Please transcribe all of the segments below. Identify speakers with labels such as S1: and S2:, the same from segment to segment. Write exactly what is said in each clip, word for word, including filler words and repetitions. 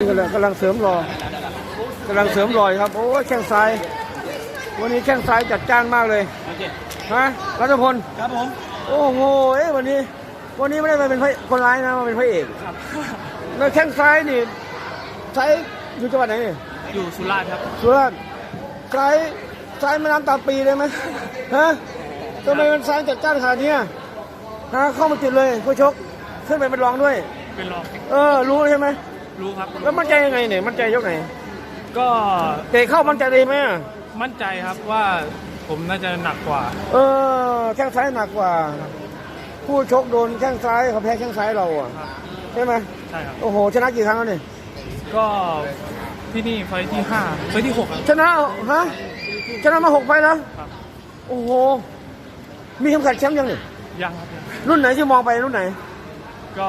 S1: กำลังกำลังเสริมรอกำลังเสริมรอยครับโอ้แข้งซ้ายวันนี้แข้งซ้ายจัดจ้านมากเลยฮะรัตพล
S2: ครับผม
S1: โอ้โหเอ้วันนี้วันนี้ไม่ได้มาเป็นพระคนร้ายนะมาเป็นพระเอกแล้วแข้งซ้ายนี่ซ้ายอยู่จังหวัดไหนนี่
S2: อยู่สุราษฎร์ครับ
S1: สุราษฎร์ซ้ายซ้ายแม่น้ำตาปีเลยไหมฮะทำไมมันซ้ายจัดจ้านขนาดนี้ฮะเข้ามาติดเลยผู้ชกขึ้นไปเป็นรองด้วย
S2: เป็นรอง
S1: เออรู้ใช่ไหม
S2: รู้ครับ
S1: แล้วมั่นใจยังไงเนี่ยมั่นใจยกไหน
S2: ก็
S1: เตะเข้ามั่นใจเลยไหม
S2: มั่นใจครับว่าผมน่าจะหนักกว่า
S1: เออแข้งซ้ายหนักกว่าผู้ชกโดนแข้งซ้ายเขาแพ้แข้งซ้ายเราอ่ะใช่ไหม
S2: ใช่ครับ
S1: โอ้โหชนะกี่ครั้งแล้วเนี่ย
S2: ก็ที่นี่ไฟที่ห้าไฟที่หก
S1: ชนะฮะชนะมาหกไฟแล้วโอ้โหมีเข็มขัดแชมป์ยังเนี่ย
S2: ยังครับ
S1: รุ่นไหนที่มองไปรุ่นไหน
S2: ก็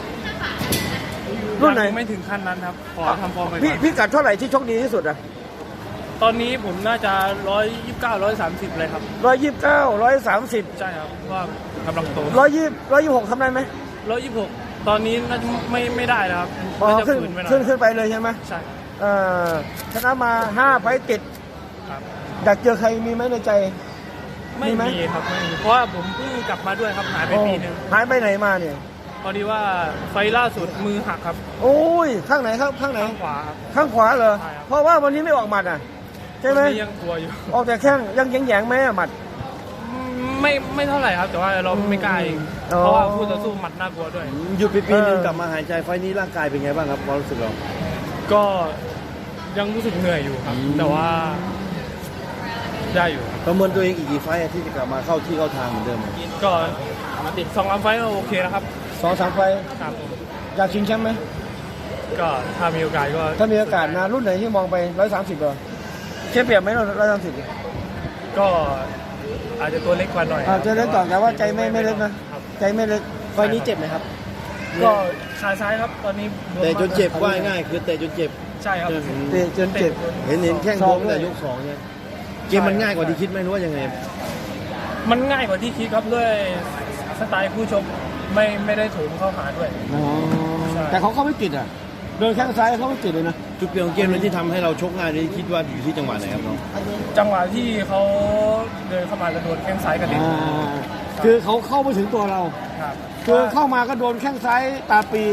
S1: รุ่นไหน
S2: ไม่ถึงขั้นนั้นครับขอทำฟอร์มไป
S1: พี่พี่กัดเท่าไหร่ที่ชกดีที่สุดอ่ะ
S2: ตอนนี้ผมน่าจะร้อยยี่สิบเก้าร้อยสามสิบเลยครับ
S1: ร้อยยี่สิบเก้าร้อยสามสิบ
S2: ใช่ครับว่ากำลังโต
S1: ร้อยยี่สิบร้อยยี่สิบหกทำได้ไหม
S2: ร้อยยี่สิบหกตอนนี้น่าจะไม่ไม่ได้แล้วครับ
S1: ขึ้นขึ้นขึ้นไปเลยใช่ไหม
S2: ใช่
S1: เออชนะมาห้าไฟติดอยากเจอใครมีไหมในใจ
S2: ไม่มีครับไม่มีเพราะว่าผมเพิ่งกลับมาด้วยครับหายไปปีนึง
S1: หายไปไหนมาเนี่ย
S2: พอดีว่าไฟล่าสุดมือหักครับ
S1: โอ้ยข้างไหนครับข้างไหน
S2: ข้างขวาครับ
S1: ข้างขวาเหรอเพราะว่าวันนี้ไม่ออกหมัดอ่ะใช่ไหม
S2: ยังกลัวอยู่
S1: ออกแต่แข้งยังแยงๆไหมหมัด
S2: ไม่ไม่เท่าไหร่ครับแต่ว่าเราไม่กล้าเองเพราะว่าคู่ต่อสู้หมัดน่ากลัวด้วย
S1: หยุดไปปีนึงกลับมาหายใจไฟนี้ร่างกายเป็นไงบ้างครับความรู้สึกเรา
S2: ก็ยังรู้สึกเหนื่อยอยู่ครับแต่ว่าได้อยู่
S1: ประเมินตัวเองอีกกี่ไฟที่จะกลับมาเข้าที่เข้าทางเหมือนเดิม
S2: ก็ติดสองสามไฟก็โอเคแล้วครับ
S1: สองสามไฟ
S2: ครับ
S1: อยากชิงแชมป์ไหม
S2: ก็ถ้ามีโอกาสก็
S1: ถ้ามีโอกาสนะรุ่นไหนที่มองไปร้อยสามสิบเหรอเชื่อเปรียบไหมร้อยสามสิบ
S2: ก็อาจจะตัวเล็กกว่าหน่อย
S1: อาจจะเล็กก่อนแต่ว่าใจไม่ไม่เล็กนะใจไม่เล็กไฟนี้เจ็บไหมครับ
S2: ก็ขาซ้ายครับตอนนี้
S1: เตะจนเจ็บว่าง่ายคือเตะจนเจ็บ
S2: ใช่ครับ
S1: เตะจนเจ็บเห็นเห็นแข้งโค้งแต่ยกสองเนี่ยเกมมันง่ายกว่าที่คิดไหมรู้ว่ายังไง
S2: มันง่ายกว่าที่คิดครับด้วยสไตล์ผู้ชกไม่ไม่ได้ถูกเข้าหาด้วย
S1: แต่เขาเข้าไม่ติดอ่ะโดนแข้งซ้ายเขาไม่ติดเลยนะจุดเปลี่ยนของเกมเลยที่ทำให้เราชกง่ายนี่คิดว่าอยู่ที่จังหวะไหนครับน้อง
S2: จังหวะที่เขาเดินเข้ามาจะโดนแข้งซ้ายกันเอง
S1: คือเขาเข้ามาถึงตัวเราคือเข้ามาก็โดนแข้งซ้ายตาปี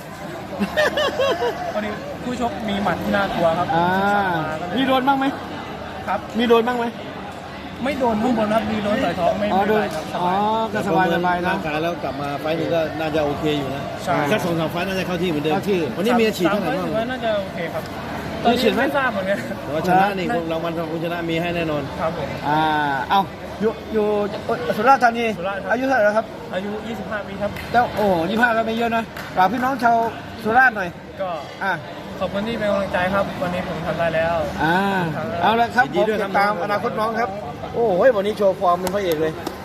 S2: ตอนนี้ผู้ชกมีหมัดที่น่ากลัวครับ
S1: มีโดนบ้างไหม
S2: ครับ
S1: มีโดนบ้างไหม
S2: ไม่โดนข้างบนครับมีโดนต่อยท้องไม่
S1: โดนอ๋อก็สบายสบายนะ
S3: ขาแล้วกลับมาไฟนี้ก็น่าจะโอเคอยู่นะแค่สองสามไฟน่าจะเข้าที่เหมือนเดิมวันนี้มีอาชีพเท่าไหร่บ้าง
S2: น่าจะโอเคครับตอนนี้ไม่ทราบเหมือนกัน
S3: แต่ว่าชนะนี่รางวัลของคุณชนะมีให้แน่นอน
S2: ครับผม
S1: อ่าเอาอยู่อยู่สุราษฎร์ธานีอายุเท่าไหร่ครับ
S2: อายุยี่สิบห้าปีครับ
S1: แล้วโอ้ยี่สิบห้าก็ไม่เยอะนะฝากพี่น้องชาวสุราษฎร์หน่อย
S2: ก็
S1: อ่า
S2: ขอบคุณที่เป็นกำลังใจครับวันนี้ผมทำได้แล้ว
S1: อ่าเอาละครับผมติดตามอนาคตน้องครับโอ้โหวันนี้โชว์ฟอร์มเป็นพระเอกเลย